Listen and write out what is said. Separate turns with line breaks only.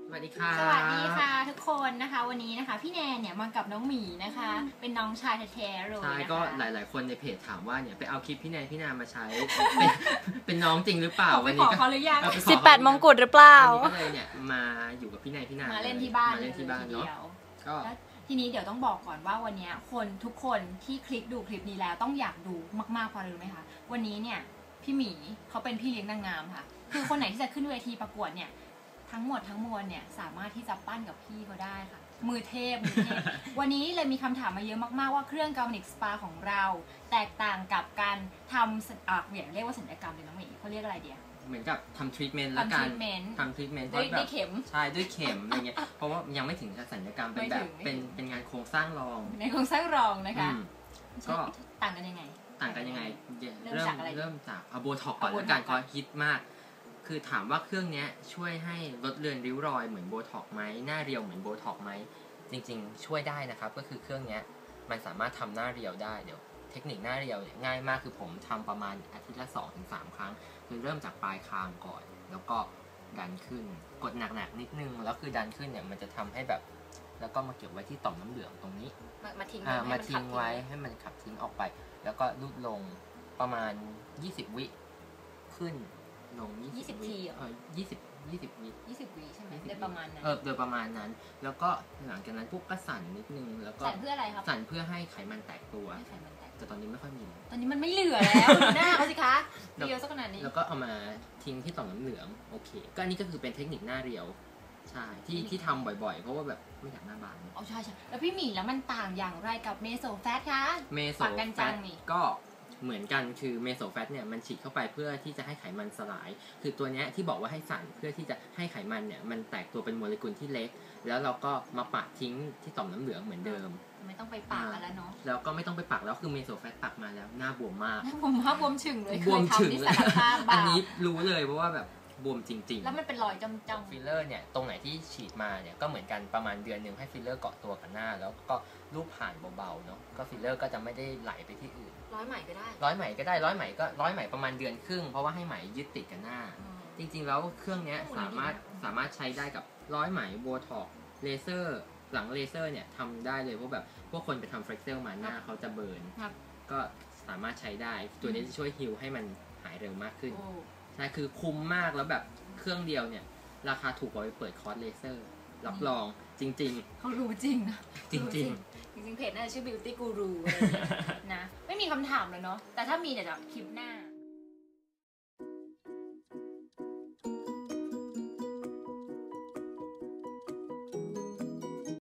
สวัสดีค่ะ
สวัสดีค่ะทุกคนนะคะวันนี้นะคะพี่แนนเนี่ยมากับน้องหมีนะคะเป็นน้องชายแท้ๆเลย
ใช่
นะคะ
ก็หลายๆคนในเพจถามว่าเนี่ยไปเอาคลิปพี่แนนมาใช้ เป็นน้องจริงหรือเปล่า
วันนี้ก็เขาหรือยัง
18 มงกุฎหรือเปล่า
ก็เลยเนี่ยมาอยู่กับพี่แนน
มาเล่นที่บ้าน
เนาะก็
ทีนี้เดี๋ยวต้องบอกก่อนว่าวันนี้คนทุกคนที่คลิกดูคลิปนี้แล้วต้องอยากดูมากๆเพราะอะไรรู้ไหมคะวันนี้เนี่ยพี่หมีเขาเป็นพี่เลี้ยงนางงามค่ะคือคนไหนที่จะขึ้นเวทีประกวดเนี่ยทั้งหมดทั้งมวลเนี่ยสามารถที่จะปั้นกับพี่เขาได้ค่ะมือเทพ วันนี้เลยมีคำถามมาเยอะมากๆว่าเครื่องกาลนิกสปาของเราแตกต่างกับการทำเรียกว่าศัลยกรรมเลยน้องหมีเขาเรียกอะไรเดียว
เหมือนกับทำทรีทเมนต์แล้วกันทำทรีทเมนต์
ด้วยเข็ม
ใช่ด้วยเข็มอะไรเงี้ยเพราะว่ายังไม่ถึงศัลยกรรมเป็นแบบเป็นงานโครงสร้างรอง
ในโครงสร้างรองนะคะ
ก็
ต่างกันยังไง
เริ่มจากโบท็อกก่อนแล้วกันก็ฮิตมากคือถามว่าเครื่องนี้ช่วยให้ลดเลือนริ้วรอยเหมือนโบท็อกไหมหน้าเรียวเหมือนโบท็อกไหมจริงๆช่วยได้นะครับก็คือเครื่องนี้มันสามารถทำหน้าเรียวได้เดี๋ยวเทคนิคหน้าเรียวง่ายมากคือผมทำประมาณอาทิตย์ละ 2-3 ครั้งคือเริ่มจากปลายคางก่อนแล้วก็ดันขึ้นกดหนักๆนิดนึงแล้วคือดันขึ้นเนี่ยมันจะทำให้แบบแล้วก็มาเก็บไว้ที่ต่อมน้ำเหลืองตรงนี้
มาทิ้
งไว้ให้มันขับทิ้งออกไปแล้วก็ลูดลงประมาณ20 วิขึ้นลง
20 ที
20 วิ
ใช่ไหมโดยประมาณนั้น
โดยประมาณนั้นแล้วก็หลังจากนั้นพวกก็สั่นนิดนึงแล้วก็
สั่นเพื่ออะไรครับ
สั่นเพื่อให้ไขมันแตกตัวแต่ตอนนี้ไม่ค่อยมี
ตอนนี้มันไม่เหลือแล้วหน้าเขาสิคะเรียวสักขนาดนี้
แล้วก็เอามาทิ้งที่ต่อมน้ำเหลืองโอเคก็อันนี้ก็คือเป็นเทคนิคหน้าเรียวใช่ที่ทำบ่อยๆเพราะว่าแบบไม่อยากหน้าบาน
อ๋อใช่แล้วพี่หมีแล้วมันต่างอย่างไรกับเมโซแฟตคะ
เมโซแฟตก็เหมือนกันคือเมโซแฟตเนี่ยมันฉีดเข้าไปเพื่อที่จะให้ไขมันสลายคือตัวนี้ที่บอกว่าให้สั่นเพื่อที่จะให้ไขมันเนี่ยมันแตกตัวเป็นโมเลกุลที่เล็กแล้วเราก็มาปักทิ้งที่ต่อมน้ำเหลืองเหมือนเดิม
ไม่ต้องไปปักแล้วเนาะ
แล้วก็ไม่ต้องไปปักแล้วคือเมโซแฟตปักมาแล้วหน้าบวมมาก
บวมฉึ่งเลย
บวมฉึ่งเลยอันนี้รู้เลยเพราะว่าแบบบวมจริงๆ
แล้วมันเป็นรอยจ้ำ
ฟิลเลอร์เนี่ยตรงไหนที่ฉีดมาเนี่ยก็เหมือนกันประมาณเดือนนึงให้ฟิลเลอร์เกาะตัวกับหน้าแล้วก็ลูบผ่านเบาๆเนาะก็ฟิลเลอร์ก็จะไม่ได้ไหลไปที่อื่น
ร้อยไหมก็ได้
ร้อยไหมประมาณเดือนครึ่งเพราะว่าให้ไหมยึดติดกับหน้าจริงๆแล้วเครื่องนี้สามารถใช้ได้กับร้อยไหมโบท็อกเลเซอร์หลังเลเซอร์เนี่ยทำได้เลยเพราะแบบพวกคนไปทำเฟรกเซลมาหน้าเขาจะเบิร์นก็สามารถใช้ได้ตัวนี้จะช่วยฮิลให้มันหายเร็วมากขึ้นใช่คือคุ้มมากแล้วแบบเครื่องเดียวเนี่ยราคาถูกกว่าไปเปิดคอร์สเลเซอร์รับรองจริง
ๆเขารู้จริงนะ
จริง
เพจน่าจะชื่อ Beauty Guru นะไม่มีคำถามเลยเนาะแต่ถ้ามีเดี๋ยวจะคลิปหน้า